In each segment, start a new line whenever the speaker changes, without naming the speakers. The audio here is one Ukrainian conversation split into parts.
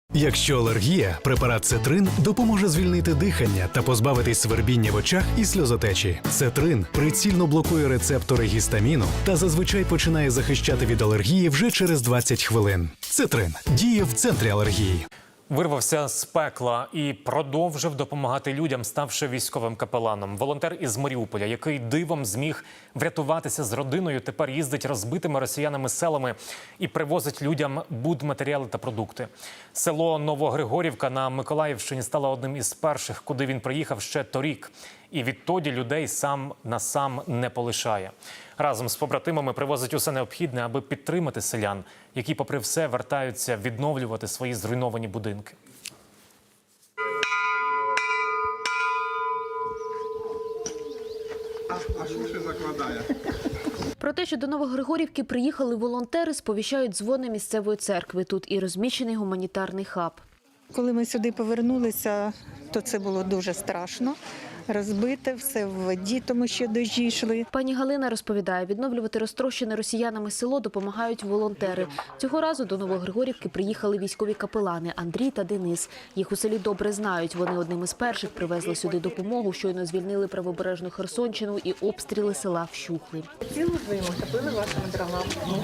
Якщо алергія, препарат Цетрин допоможе звільнити дихання та позбавитись свербіння в очах і сльозотечі. Цетрин прицільно блокує рецептори гістаміну та зазвичай починає захищати від алергії вже через 20 хвилин. Цетрин діє в центрі алергії.
Вирвався з пекла і продовжив допомагати людям, ставши військовим капеланом. Волонтер із Маріуполя, який дивом зміг врятуватися з родиною, тепер їздить розбитими росіянами селами і привозить людям будматеріали та продукти. Село Новогригорівка на Миколаївщині стало одним із перших, куди він приїхав ще торік. І відтоді людей сам на сам не полишає. Разом з побратимами привозить усе необхідне, аби підтримати селян, які, попри все, вертаються відновлювати свої зруйновані будинки.
А що ще закладає?
Про те, що до Новогригорівки приїхали волонтери, сповіщають дзвони місцевої церкви. Тут і розміщений гуманітарний хаб.
Коли ми сюди повернулися, то це було дуже страшно. Розбите, все в воді, тому що дощі йшли.
Пані Галина розповідає, відновлювати розтрощене росіянами село допомагають волонтери. Цього разу до Новогригорівки приїхали військові капелани Андрій та Денис. Їх у селі добре знають. Вони одним із перших привезли сюди допомогу, щойно звільнили правобережну Херсонщину і обстріли села вщухли.
Цілу зиму топили вашими дровами.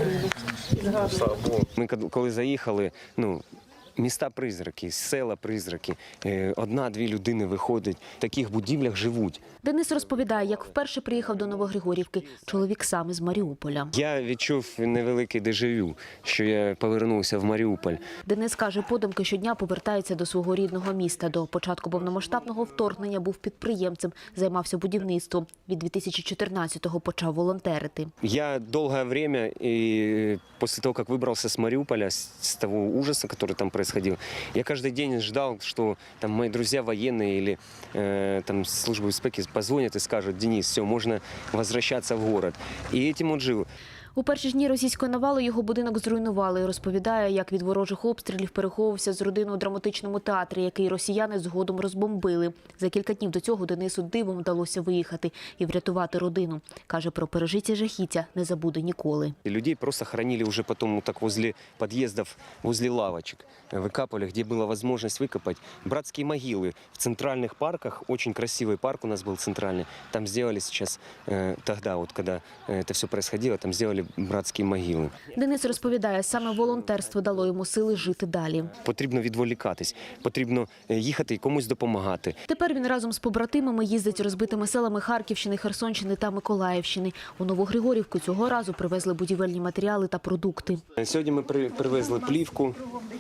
Ми коли заїхали, міста-призраки, села-призраки, одна-дві людини виходять, в таких будівлях живуть.
Денис розповідає, як вперше приїхав до Новогригорівки. Чоловік сам із Маріуполя.
Я відчув невеликий дежавю, що я повернувся в Маріуполь.
Денис каже, подумки щодня повертається до свого рідного міста. До початку повномасштабного вторгнення був підприємцем, займався будівництвом. Від 2014-го почав волонтерити.
Я довгое время, и после того, как выбрался с Мариуполя, с того ужаса, который там происходил, я каждый день ждал, что там мои друзья военные или там службы безпеки позвонят и скажут: Денис, все, можно возвращаться в город. И этим он жил.
У перші ж дні російської навали його будинок зруйнували. Розповідає, як від ворожих обстрілів переховувався з родиною у драматичному театрі, який росіяни згодом розбомбили. За кілька днів до цього Денису дивом вдалося виїхати і врятувати родину. Каже, про пережиті жахіття не забуде ніколи.
И людей просто хоронили уже потом так возле подъездов, возле лавочек. Выкапывали, где была возможность выкопать. Братские могилы в центральных парках. Очень красивый парк у нас был центральный. Там сделали сейчас, тогда, вот когда это все происходило, там сделали братські могили.
Денис розповідає, саме волонтерство дало йому сили жити далі.
Потрібно відволікатись, потрібно їхати і комусь допомагати.
Тепер він разом з побратимами їздить розбитими селами Харківщини, Херсонщини та Миколаївщини. У Новогригорівку цього разу привезли будівельні матеріали та продукти.
Сьогодні ми привезли плівку,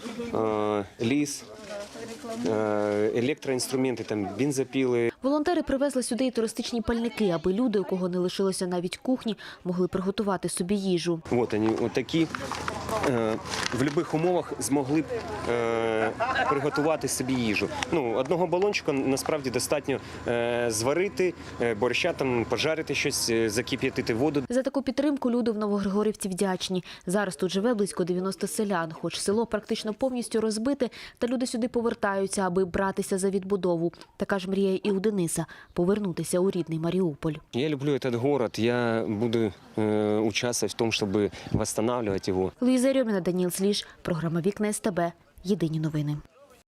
ліс, електроінструменти, там бензопіли.
Волонтери привезли сюди і туристичні пальники, аби люди, у кого не лишилося навіть кухні, могли приготувати собі їжу.
От вони, отакі. В будь-яких умовах змогли б приготувати собі їжу. Одного балончика насправді достатньо зварити, борща, там, пожарити щось, закип'ятити воду.
За таку підтримку люди в Новогригорівці вдячні. Зараз тут живе близько 90 селян. Хоч село практично повністю розбите, та люди сюди повертаються, аби братися за відбудову. Така ж мрія і у Дениса – повернутися у рідний Маріуполь.
Я люблю цей город, я буду участвовать в тому, щоб відновлювати його.
Луїза Рьоміна, Даніл Сліж, програма «Вікна СТБ». Єдині новини.